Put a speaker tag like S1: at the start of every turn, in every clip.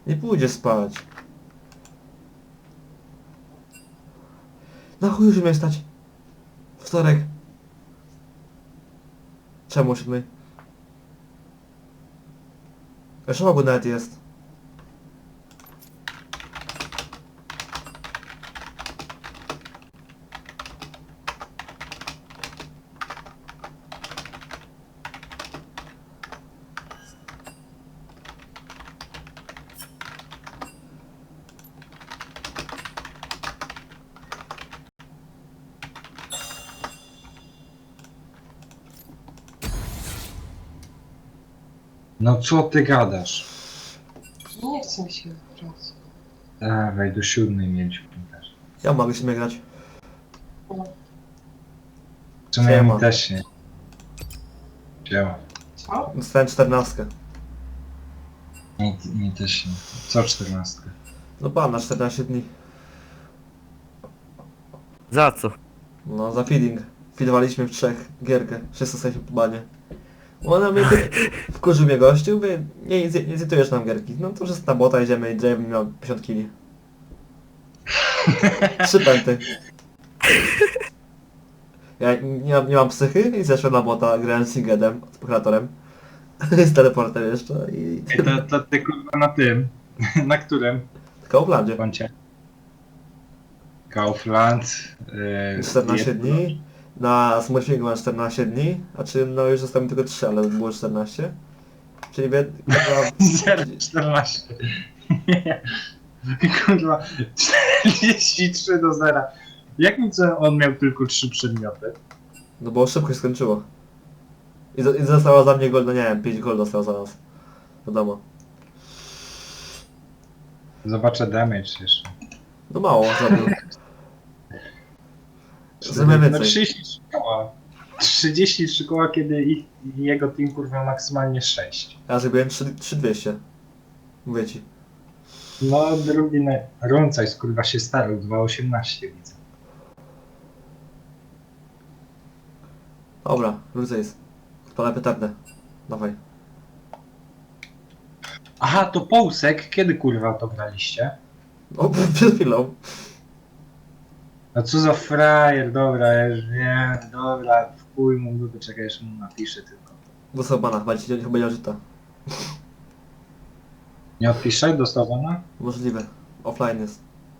S1: Nie pójdzie spać. Na chuj już mnie stać. Wtorek. Czemu o 7? Jeszcze mało nawet jest.
S2: No co ty gadasz?
S3: Nie chcę mi się grać.
S2: Dawaj, do 7 mieliśmy też.
S1: Ja mogę się grać.
S2: W sumie
S1: Siema.
S2: mi też nie. Działa.
S3: Co?
S1: Dostałem 14.
S2: Mi też nie. Co 14?
S1: No pan na 14 dni.
S4: Za co?
S1: No za feeding. Feedowaliśmy w 3 gierkę. Wszyscy jesteśmy po banie. Ona mnie wkurzył mnie gościu, mówię, nie zjitujesz nam gierki. No to wszyscy na bota idziemy i Draven miał 50 kili. 3 pęty. Ja nie mam psychy i zeszłem na bota, grałem z Singedem, z prokuratorem. Z teleportem jeszcze i...
S2: To ty kurwa na tym. Na którym
S1: Tylko w Landzie.
S2: koncie? Kaufland.
S1: 14 dni. Na Smurfingu mam 14 dni. A czy no już zostało mi tylko 3, ale było 14. Czyli chyba...
S2: 0,14. Kurwa, 43 do 0. Jakim co on miał tylko 3 przedmioty?
S1: No bo szybko się skończyło. I została za mnie gol, no nie wiem, 5 gol dostał za nas. Wiadomo.
S2: Zobaczę damage jeszcze.
S1: No mało zrobił. Zrobię
S2: No
S1: więcej.
S2: 33 koła. 33 koła, kiedy jego team kurwa maksymalnie 6.
S1: Ja zrobiłem 3200. Mówię ci.
S2: No drugi na... Runcajs kurwa się starał, 2,18 widzę.
S1: Dobra, wrócę jest. Odpalę petardę. Dawaj.
S2: Aha, to Połsek, kiedy kurwa to graliście?
S1: O, przed chwilą.
S2: No co za frajer, dobra, ja już wiem, dobra, w chuj mu dupy, czekaj, jeszcze mu napiszę tylko.
S1: Dostał bana, chyba nie odczyta.
S2: Nie odpiszę, dostawana?
S1: Możliwe. Offline jest.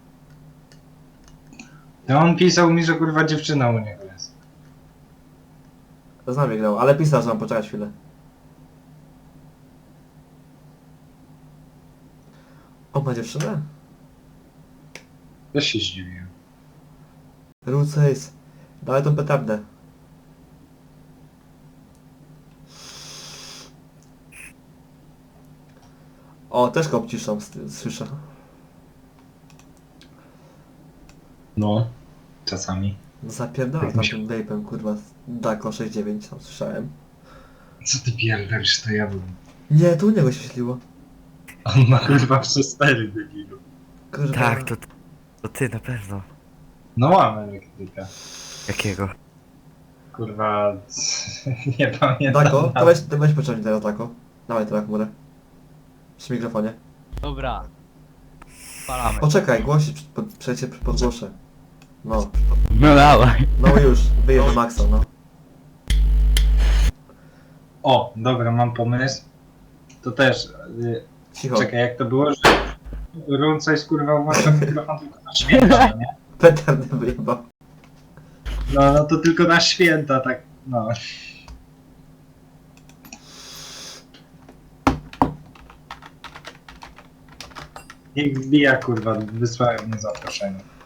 S2: No on pisał mi, że kurwa dziewczyna u niego jest.
S1: Z nami grał, ale pisał, że mam poczekać chwilę. O, ma dziewczynę?
S2: Też się zdziwiłem.
S1: Rucejs. Dawaj tą petardę. O, też go obciszam, słyszę.
S2: No. Czasami.
S1: Zapierdala
S2: Tak
S1: tam
S2: mi się-
S1: tym vape'em, kurwa. Dako 6.9, tam słyszałem.
S2: Co ty pierdolisz, to ja bym...
S1: Nie, tu u niego się śliło.
S2: On ma kurwa przez 4 debilu.
S1: Kurwa.
S4: Tak, to ty na pewno.
S2: No mam elektryka.
S4: Jakiego?
S2: Kurwa... nie pamiętam.
S1: Dako, to
S2: nawet.
S1: weź pociągnij teraz Dako. Dawaj teraz chmurę. Przy mikrofonie.
S5: Dobra. Spalamy.
S1: Poczekaj, głosić, przejście podgłoszę. No,
S4: No dawaj.
S1: no już, wyjeżdżę na maksa, no.
S2: O, dobra, mam pomysł. To też...
S1: Cicho.
S2: czekaj, jak to było, że... Runcajs kurwa włącza mikrofon tylko na święta, nie?
S1: Petardy wyjebał.
S2: No to tylko na święta, tak, no. Niech wbija, kurwa, wysłałem mu zaproszenie.